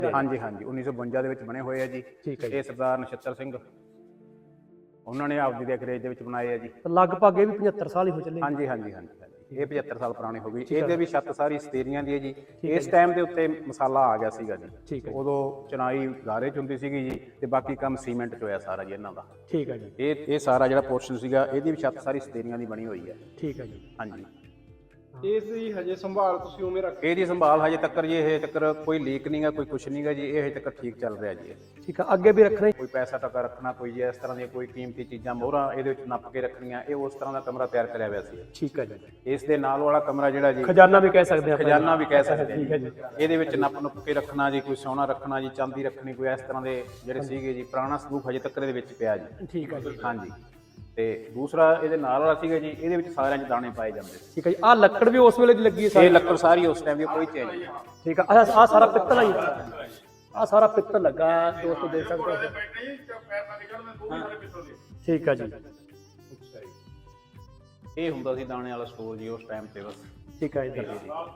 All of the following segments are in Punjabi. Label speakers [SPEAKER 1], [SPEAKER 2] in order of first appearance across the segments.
[SPEAKER 1] ਹਾਂਜੀ ਹਾਂਜੀ 1952 ਦੇ ਵਿੱਚ ਬਣੇ ਹੋਏ ਆ ਜੀ।
[SPEAKER 2] ਠੀਕ ਹੈ ਜੀ।
[SPEAKER 1] ਇਹ ਸਰਦਾਰ ਨਛੱਤਰ ਸਿੰਘ ਉਹਨਾਂ ਨੇ ਆਪਦੀ ਦੇਖ ਰੇਖ ਦੇ ਵਿੱਚ ਬਣਾਏ ਆ ਜੀ।
[SPEAKER 2] ਲਗਭਗ ਇਹ ਵੀ 75 ਸਾਲ ਹੀ ਹੋ ਚੱਲੇ।
[SPEAKER 1] ਹਾਂਜੀ ਹਾਂਜੀ ਹਾਂਜੀ ਇਹ 75 ਸਾਲ ਪੁਰਾਣੀ ਹੋ ਗਈ। ਇਹਦੇ ਵੀ ਛੱਤ ਸਾਰੀ ਸਤੇਰੀਆਂ ਦੀ ਹੈ ਜੀ। ਇਸ ਟਾਈਮ ਦੇ ਉੱਤੇ ਮਸਾਲਾ ਆ ਗਿਆ ਸੀਗਾ ਜੀ।
[SPEAKER 2] ਠੀਕ ਹੈ।
[SPEAKER 1] ਉਦੋਂ ਚਨਾਈ ਗਾਰੇ ਚ ਹੁੰਦੀ ਸੀਗੀ ਜੀ ਤੇ ਬਾਕੀ ਕੰਮ ਸੀਮੈਂਟ ਚ ਹੋਇਆ ਸਾਰਾ ਜੀ ਇਹਨਾਂ ਦਾ।
[SPEAKER 2] ਠੀਕ ਹੈ ਜੀ।
[SPEAKER 1] ਇਹ ਸਾਰਾ ਜਿਹੜਾ ਪੋਰਸ਼ਨ ਸੀਗਾ ਇਹਦੀ ਵੀ ਛੱਤ ਸਾਰੀ ਸਤੇਰੀਆਂ ਦੀ ਬਣੀ ਹੋਈ ਹੈ।
[SPEAKER 2] ਠੀਕ ਹੈ ਜੀ।
[SPEAKER 1] ਹਾਂਜੀ
[SPEAKER 3] ਇਸ ਦੀ ਹਜੇ ਸੰਭਾਲ ਤੁਸੀਂ ਉਵੇਂ ਰੱਖ।
[SPEAKER 1] ਇਹਦੀ ਸੰਭਾਲ ਹਜੇ ਤੱਕ ਜੀ ਇਹ ਤੱਕ ਕੋਈ ਲੀਕ ਨਹੀਂਗਾ, ਕੋਈ ਕੁਛ ਨਹੀਂਗਾ ਜੀ। ਇਹ ਹਜੇ ਤੱਕ ਠੀਕ ਚੱਲ ਰਿਹਾ ਜੀ।
[SPEAKER 2] ਠੀਕ ਆ, ਅੱਗੇ ਵੀ ਰੱਖਣਾ।
[SPEAKER 1] ਕੋਈ ਪੈਸਾ ਟਕਾ ਰੱਖਣਾ, ਕੋਈ ਇਸ ਤਰ੍ਹਾਂ ਦੀਆਂ ਕੋਈ ਕੀਮਤੀ ਚੀਜ਼ਾਂ ਮੋਹਰਾਂ ਇਹਦੇ ਵਿੱਚ ਨੱਪ ਕੇ ਰੱਖਣੀਆਂ, ਇਹ ਉਸ ਤਰ੍ਹਾਂ ਦਾ ਕਮਰਾ ਤਿਆਰ ਕਰਿਆ ਹੋਇਆ ਸੀ।
[SPEAKER 2] ਠੀਕ ਹੈ ਜੀ।
[SPEAKER 1] ਇਸ ਦੇ ਨਾਲ ਵਾਲਾ ਕਮਰਾ ਜਿਹੜਾ ਜੀ
[SPEAKER 2] ਖਜ਼ਾਨਾ ਵੀ ਕਹਿ ਸਕਦੇ ਆਪਾਂ।
[SPEAKER 1] ਖਜ਼ਾਨਾ ਵੀ ਕਹਿ ਸਕਦੇ
[SPEAKER 2] ਠੀਕ ਹੈ ਜੀ।
[SPEAKER 1] ਇਹਦੇ ਵਿੱਚ ਨੱਪ ਕੇ ਰੱਖਣਾ ਜੀ, ਕੋਈ ਸੋਨਾ ਰੱਖਣਾ ਜੀ, ਚਾਂਦੀ ਰੱਖਣੀ, ਕੋਈ ਇਸ ਤਰ੍ਹਾਂ ਦੇ ਜਿਹੜੇ ਸੀਗੇ ਜੀ। ਪੁਰਾਣਾ ਸੰਦੂਕ ਹਜੇ ਤੱਕ ਇਹਦੇ ਵਿੱਚ ਪਿਆ ਜੀ।
[SPEAKER 2] ਠੀਕ ਹੈ ਜੀ।
[SPEAKER 1] ਹਾਂਜੀ ਤੇ ਦੂਸਰਾ ਇਹਦੇ ਨਾਲ ਵਾਲਾ ਸੀਗਾ ਜੀ, ਇਹਦੇ ਵਿੱਚ ਸਾਰਿਆਂ 'ਚ ਦਾਣੇ ਪਾਏ ਜਾਂਦੇ।
[SPEAKER 2] ਠੀਕ ਹੈ ਜੀ। ਆਹ ਲੱਕੜ ਵੀ ਉਸ ਵੇਲੇ ਦੀ ਲੱਗੀ ਹੈ?
[SPEAKER 1] ਇਹ ਲੱਕੜ ਸਾਰੀ ਉਸ ਟਾਈਮ ਦੀ, ਕੋਈ ਚੇਂਜ ਨਹੀਂ।
[SPEAKER 2] ਠੀਕ ਆ। ਅੱਛਾ ਆਹ ਸਾਰਾ ਪਿੱਤਲ ਹੈ ਜੀ? ਆਹ ਸਾਰਾ ਪਿੱਤਲ ਲੱਗਾ ਦੋਸਤੋ, ਦੇਖ ਸਕਦੇ ਹੋ। ਠੀਕ ਆ ਜੀ।
[SPEAKER 1] ਇਹ ਹੁੰਦਾ ਸੀ ਦਾਣੇ ਵਾਲਾ ਸਟੋਰ ਜੀ ਉਸ ਟਾਈਮ ਤੇ ਬਸ।
[SPEAKER 2] ਠੀਕ ਹੈ ਜੀ।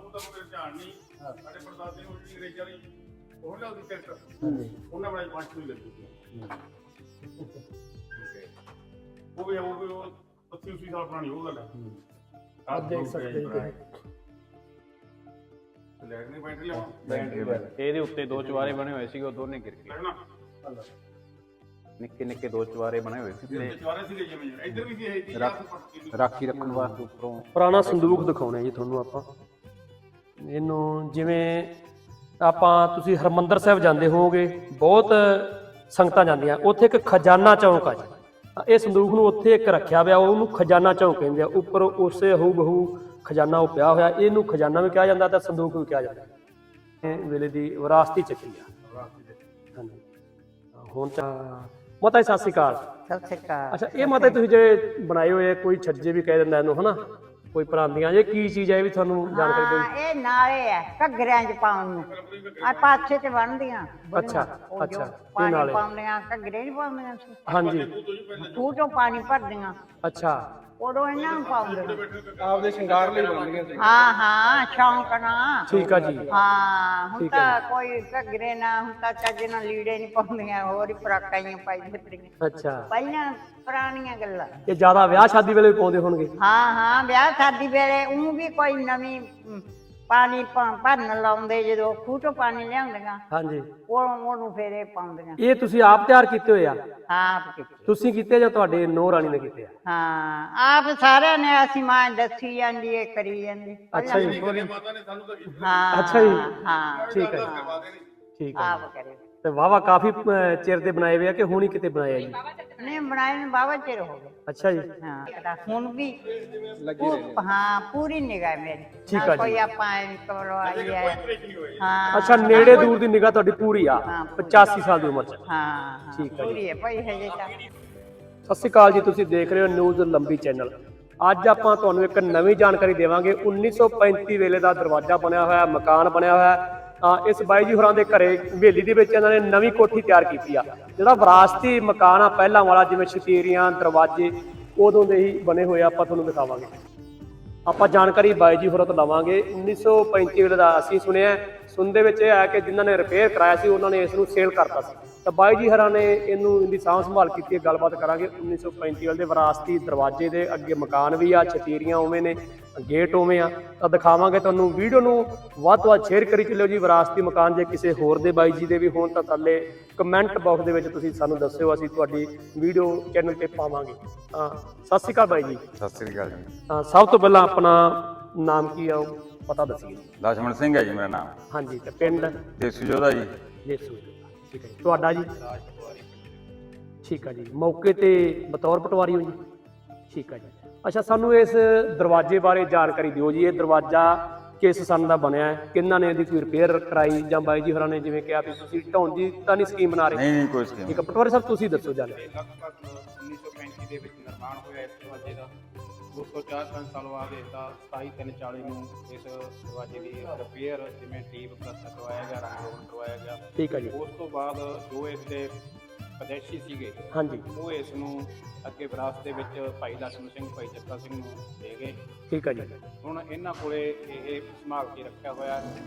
[SPEAKER 3] ਉਹ ਵੀ 80 ਸਾਲ ਪੁਰਾਣੀ ਹੋ ਗੱਲ ਹੈ।
[SPEAKER 2] ਆਪ ਦੇਖ ਸਕਦੇ ਹੋ।
[SPEAKER 3] ਲੈਟ ਨਹੀਂ ਬੈਟਰੀ
[SPEAKER 1] ਇਹਦੇ ਉੱਤੇ ਦੋ ਚੁਬਾਰੇ ਬਣੇ ਹੋਏ ਸੀਗੇ, ਉਹ ਦੋਨੇ ਗਿਰ ਗਏ। ਨਿੱਕੇ ਨਿੱਕੇ ਦੋ ਚੁਬਾਰੇ ਬਣੇ ਹੋਏ ਸੀ
[SPEAKER 3] ਇੱਧਰ ਵੀ ਸੀ
[SPEAKER 1] ਰਾਖੀ ਰੱਖਣ ਵਾਸਤੇ ਉੱਪਰੋਂ।
[SPEAKER 2] ਪੁਰਾਣਾ ਸੰਦੂਕ ਦਿਖਾਉਣਾ ਜੀ ਤੁਹਾਨੂੰ ਆਪਾਂ। ਇਹਨੂੰ ਜਿਵੇਂ ਆਪਾਂ ਤੁਸੀਂ ਹਰਮੰਦਰ ਸਾਹਿਬ ਜਾਂਦੇ ਹੋਵੋਗੇ, ਬਹੁਤ ਸੰਗਤਾਂ ਜਾਂਦੀਆਂ, ਉੱਥੇ ਇੱਕ ਖਜ਼ਾਨਾ ਚੌਂਕ ਆ ਜੀ। ਇਹ ਸੰਦੂਕ ਨੂੰ ਉੱਥੇ ਇੱਕ ਰੱਖਿਆ ਹੋਇਆ, ਉਹਨੂੰ ਖਜ਼ਾਨਾ ਚੌਂਕ ਕਹਿੰਦੇ ਆ। ਉੱਪਰ ਉਸੇ ਹੂ ਬਹੂ ਖਜ਼ਾਨਾ ਉਹ ਪਿਆ ਹੋਇਆ, ਇਹਨੂੰ ਖਜ਼ਾਨਾ ਵੀ ਕਿਹਾ ਜਾਂਦਾ ਤੇ ਸੰਦੂਕ ਵੀ ਕਿਹਾ ਜਾਂਦਾ। ਇਹ ਵੇਲੇ ਦੀ ਵਿਰਾਸਤੀ ਚੱਕੀ ਆ। ਹਾਂਜੀ ਹੁਣ ਤਾਂ ਮਾਤਾ ਜੀ ਸਤਿ ਸ਼੍ਰੀ ਅਕਾਲ।
[SPEAKER 4] ਸਤਿ ਸ਼੍ਰੀ ਅਕਾਲ।
[SPEAKER 2] ਅੱਛਾ ਇਹ ਮਾਤਾ ਤੁਸੀਂ ਜਿਹੜੇ ਬਣਾਏ ਹੋਏ ਕੋਈ ਛੱਜੇ ਵੀ ਕਹਿ ਦਿੰਦਾ ਇਹਨੂੰ, ਹਨਾ, ਕੋਈ ਪਰਾਂਦੀਆਂ, ਇਹ ਕੀ ਚੀਜ਼ ਹੈ? ਇਹ ਵੀ ਤੁਹਾਨੂੰ ਜਾਣਕਾਰੀ ਦਿਓ।
[SPEAKER 4] ਇਹ ਨਾਲੇ ਆ ਘੱਗਰਿਆਂ 'ਚ ਪਾਉਣ ਨੂੰ, ਆ ਪਾਛੇ 'ਚ ਬਣਦੀਆਂ।
[SPEAKER 2] ਅੱਛਾ ਅੱਛਾ।
[SPEAKER 4] ਪਾਣੀ ਪਾਉਂਦੀਆਂ, ਘੱਗਰੇ ਨਹੀਂ ਪਾਉਂਦੀਆਂ ਸੀ।
[SPEAKER 2] ਹਾਂਜੀ।
[SPEAKER 4] ਖੂਹ ਚੋਂ ਪਾਣੀ ਭਰਦੀਆਂ,
[SPEAKER 2] ਅੱਛਾ।
[SPEAKER 4] ਉਦੋਂ ਇਹਨਾਂ ਨੂੰ ਪਾਉਂਦੇ।
[SPEAKER 3] ਆਪਦੇ ਸ਼ਿੰਗਾਰ ਲਈ ਬਣਦੀਆਂ ਸੀ।
[SPEAKER 4] ਹਾਂ ਹਾਂ, ਸ਼ੌਂਕ ਨਾਲ।
[SPEAKER 2] ਠੀਕ ਆ ਜੀ।
[SPEAKER 4] ਹਾਂ ਹੁਣ ਤਾਂ ਕੋਈ ਘੱਗਰੇ ਨਾ, ਹੁਣ ਤਾਂ ਚੱਜ ਨਾਲ ਲੀੜੇ ਨਹੀਂ ਪਾਉਂਦੀਆਂ, ਹੋਰ ਹੀ ਫਰਾਕਾਂ ਹੀ ਪਾਈ ਫਿਰਦੀਆਂ।
[SPEAKER 2] ਅੱਛਾ।
[SPEAKER 4] ਪਹਿਲਾਂ ਪੁਰਾਣੀਆਂ ਗੱਲਾਂ।
[SPEAKER 2] ਇਹ ਜ਼ਿਆਦਾ ਵਿਆਹ ਸ਼ਾਦੀ ਵੇਲੇ ਵੀ ਪਾਉਂਦੇ ਹੋਣਗੇ?
[SPEAKER 4] ਹਾਂ ਹਾਂ, ਵਿਆਹ ਸ਼ਾਦੀ ਵੇਲੇ ਉਹ ਵੀ ਕੋਈ ਨਵੀਂ ਪਾਣੀ ਭਰਨ ਲਾਉਂਦੇ, ਜਦੋਂ ਖੂਹ ਤੋਂ ਪਾਣੀ ਲਿਆਉਂਦੀਆਂ
[SPEAKER 2] ਹਾਂਜੀ,
[SPEAKER 4] ਉਹਨੂੰ ਫੇਰ ਇਹ ਪਾਉਂਦੀਆਂ।
[SPEAKER 2] ਇਹ ਤੁਸੀਂ ਆਪ ਤਿਆਰ ਕੀਤੇ ਹੋਏ ਆ?
[SPEAKER 4] ਆਪ ਕੀਤੇ।
[SPEAKER 2] ਤੁਸੀਂ ਕੀਤੇ ਜਾਂ ਤੁਹਾਡੇ ਨੂੰਹ ਰਾਣੀ ਨੇ ਕੀਤੇ ਆ?
[SPEAKER 4] ਹਾਂ ਆਪ ਸਾਰਿਆਂ ਨੇ। ਅਸੀਂ ਮਾਂ ਦੱਸੀ ਜਾਂਦੀ ਏ, ਕਰੀ ਜਾਂਦੀ।
[SPEAKER 2] ਅੱਛਾ ਜੀ।
[SPEAKER 4] ਹਾਂ
[SPEAKER 2] ਅੱਛਾ ਜੀ।
[SPEAKER 4] ਹਾਂ
[SPEAKER 2] ਠੀਕ ਹੈ ਠੀਕ ਹੈ।
[SPEAKER 4] ਆਪ ਕਰੇ।
[SPEAKER 2] ਤੇ ਵਾਹਵਾ ਕਾਫੀ ਚਿਰ ਦੇ ਬਣਾਏ ਹੋਏ ਆ ਕਿ ਹੁਣ ਹੀ ਕਿਤੇ ਬਣਾਏ ਆ ਜੀ?
[SPEAKER 4] ਨਹੀਂ ਬਣਾਏ ਨੂੰ ਬਾਵਾ ਚਿਰ ਹੋ ਗਿਆ।
[SPEAKER 2] ਅੱਛਾ ਜੀ।
[SPEAKER 4] ਹਾਂ ਹੁਣ ਵੀ ਹਾਂ ਪੂਰੀ ਨਿਗਾਹ ਮੇਰੀ।
[SPEAKER 2] ਠੀਕ ਆ ਜੀ।
[SPEAKER 4] ਕੋਈ ਆਪਾਂ ਕੋਲੋਂ ਆਈ ਹੈ। ਹਾਂ
[SPEAKER 2] ਅੱਛਾ, ਨੇੜੇ ਦੂਰ ਦੀ ਨਿਗਾਹ ਤੁਹਾਡੀ ਪੂਰੀ ਆ 85 ਸਾਲ ਦੀ ਉਮਰ ਚ?
[SPEAKER 4] ਹਾਂ
[SPEAKER 2] ਠੀਕ ਆ ਜੀ।
[SPEAKER 4] ਪੂਰੀ ਹੈ ਭਾਈ ਹਜੇ ਤਾਂ।
[SPEAKER 2] ਸਤਿ ਸ਼੍ਰੀ ਅਕਾਲ ਜੀ, ਤੁਸੀਂ ਦੇਖ ਰਹੇ ਹੋ ਨਿਊਜ਼ ਲੰਬੀ ਚੈਨਲ। ਅੱਜ ਆਪਾਂ ਤੁਹਾਨੂੰ ਇੱਕ ਨਵੀਂ ਜਾਣਕਾਰੀ ਦੇਵਾਂਗੇ। 1935 ਵੇਲੇ ਦਾ ਦਰਵਾਜ਼ਾ ਬਣਿਆ ਹੋਇਆ, ਮਕਾਨ ਬਣਿਆ ਹੋਇਆ। ਇਸ ਬਾਈ ਜੀ ਹੋਰਾਂ ਦੇ ਘਰੇ ਹਵੇਲੀ ਦੇ ਵਿੱਚ ਇਹਨਾਂ ਨੇ ਨਵੀਂ ਕੋਠੀ ਤਿਆਰ ਕੀਤੀ ਆ। ਜਿਹੜਾ ਵਿਰਾਸਤੀ ਮਕਾਨ ਆ ਪਹਿਲਾਂ ਵਾਲਾ, ਜਿਵੇਂ ਛਤੀਰੀਆਂ ਦਰਵਾਜ਼ੇ ਉਦੋਂ ਦੇ ਹੀ ਬਣੇ ਹੋਏ ਆ, ਆਪਾਂ ਤੁਹਾਨੂੰ ਦਿਖਾਵਾਂਗੇ। ਆਪਾਂ ਜਾਣਕਾਰੀ ਬਾਈ ਜੀ ਹੋਰਾਂ ਤੋਂ ਲਵਾਂਗੇ। 1935 ਵੇਲੇ ਦਾ ਅਸੀਂ ਸੁਣਦੇ ਵਿੱਚ ਇਹ ਆਇਆ ਕਿ ਜਿਨ੍ਹਾਂ ਨੇ ਰਿਪੇਅਰ ਕਰਾਇਆ ਸੀ ਉਹਨਾਂ ਨੇ ਇਸ ਨੂੰ ਸੇਲ ਕਰਤਾ ਸੀ। ਤਾਂ ਬਾਈ ਜੀ ਹਰਾਂ ਨੇ ਇਹਦੀ ਸਾਂਭ ਸੰਭਾਲ ਕੀਤੀ ਹੈ। ਗੱਲਬਾਤ ਕਰਾਂਗੇ। 1935 ਵੇਲੇ ਦੇ ਵਿਰਾਸਤੀ ਦਰਵਾਜ਼ੇ ਦੇ ਅੱਗੇ ਮਕਾਨ ਵੀ ਆ, ਛਤੀਰੀਆਂ ਉਵੇਂ ਨੇ, ਗੇਟ ਉਵੇਂ ਆ। ਤਾਂ ਦਿਖਾਵਾਂਗੇ ਤੁਹਾਨੂੰ। ਵੀਡੀਓ ਨੂੰ ਵੱਧ ਤੋਂ ਵੱਧ ਸ਼ੇਅਰ ਕਰੀ ਚੱਲਿਓ ਜੀ। ਵਿਰਾਸਤੀ ਮਕਾਨ ਜੇ ਕਿਸੇ ਹੋਰ ਦੇ ਬਾਈ ਜੀ ਦੇ ਵੀ ਹੋਣ ਤਾਂ ਥੱਲੇ ਕਮੈਂਟ ਬਾਕਸ ਦੇ ਵਿੱਚ ਤੁਸੀਂ ਸਾਨੂੰ ਦੱਸਿਓ, ਅਸੀਂ ਤੁਹਾਡੀ ਵੀਡੀਓ ਚੈਨਲ ਤੇ ਪਾਵਾਂਗੇ। ਸਤਿ ਸ਼੍ਰੀ ਅਕਾਲ ਬਾਈ ਜੀ।
[SPEAKER 5] ਸਤਿ ਸ੍ਰੀ ਅਕਾਲ ਜੀ।
[SPEAKER 2] ਸਭ ਤੋਂ ਪਹਿਲਾਂ ਆਪਣਾ ਨਾਮ ਕੀ ਆ ਉਹ ਪਤਾ ਦੱਸੀਏ।
[SPEAKER 5] ਲਛਮਣ ਸਿੰਘ ਹੈ ਜੀ ਮੇਰਾ ਨਾਮ।
[SPEAKER 2] ਹਾਂਜੀ। ਤੇ ਪਿੰਡ?
[SPEAKER 5] ਦੇਸੂ ਜੋਧਾ ਜੀ।
[SPEAKER 2] ਦੇਸੂ। ਠੀਕ ਹੈ ਜੀ। ਤੁਹਾਡਾ ਜੀ? ਠੀਕ ਆ ਜੀ। ਮੌਕੇ ਤੇ ਬਤੌਰ ਪਟਵਾਰੀ ਹੋ ਜੀ? ਠੀਕ ਆ ਜੀ। ਅੱਛਾ, ਸਾਨੂੰ ਇਸ ਦਰਵਾਜ਼ੇ ਬਾਰੇ ਜਾਣਕਾਰੀ ਦਿਓ ਜੀ। ਇਹ ਦਰਵਾਜ਼ਾ ਕਿਸ ਸੰਨ ਦਾ ਬਣਿਆ ਹੈ? ਕਿਹਨਾਂ ਨੇ ਇਹਦੀ ਕੋਈ ਰਿਪੇਅਰ ਕਰਾਈ ਜਾਂ ਬਾਈ ਜੀ ਹੋਰਾਂ ਨੇ ਜਿਵੇਂ ਕਿਹਾ ਵੀ ਤੁਸੀਂ ਢਾਉਣ ਦੀ ਤਾਂ ਨਹੀਂ ਸਕੀਮ ਬਣਾ ਰਹੇ?
[SPEAKER 5] ਨਹੀਂ ਕੋਈ ਸਕੀਮ।
[SPEAKER 2] ਠੀਕ ਆ ਪਟਵਾਰੀ ਸਾਹਿਬ, ਤੁਸੀਂ ਦੱਸੋ ਜਾਣ।
[SPEAKER 1] ਲਗਭਗ 1935 ਦੇ ਵਿੱਚ ਨਿਰਮਾਣ ਹੋਇਆ ਇਸ ਦਰਵਾਜ਼ੇ ਦਾ। 204 ਸਾਲ ਬਾਅਦ ਇਸਦਾ 27/3/40 ਨੂੰ ਇਸ ਦਰਵਾਜ਼ੇ ਦੀ ਰਿਪੇਅਰ, ਜਿਵੇਂ ਟੀਪ ਪਲਸਤਰ ਕਰਵਾਇਆ ਗਿਆ, ਰੰਗ ਰੋਗਨ ਕਰਵਾਇਆ ਗਿਆ।
[SPEAKER 2] ਠੀਕ ਆ ਜੀ।
[SPEAKER 1] ਉਸ ਤੋਂ ਬਾਅਦ ਜੋ ਇਸ ਦੇ ਵਿਦੇਸ਼ੀ ਸੀਗੇ,
[SPEAKER 2] ਹਾਂਜੀ,
[SPEAKER 1] ਉਹ ਇਸ ਨੂੰ ਅੱਗੇ ਵਿਰਾਸਤ ਦੇ ਵਿੱਚ ਭਾਈ ਲਛਮਣ ਸਿੰਘ, ਭਾਈ ਜੱਤਾ ਸਿੰਘ ਨੂੰ ਦੇ ਗਏ।
[SPEAKER 2] ਠੀਕ ਆ ਜੀ।
[SPEAKER 1] ਹੁਣ ਇਹਨਾਂ ਕੋਲੇ ਇਹ ਸੰਭਾਲ ਕੇ ਰੱਖਿਆ ਹੋਇਆ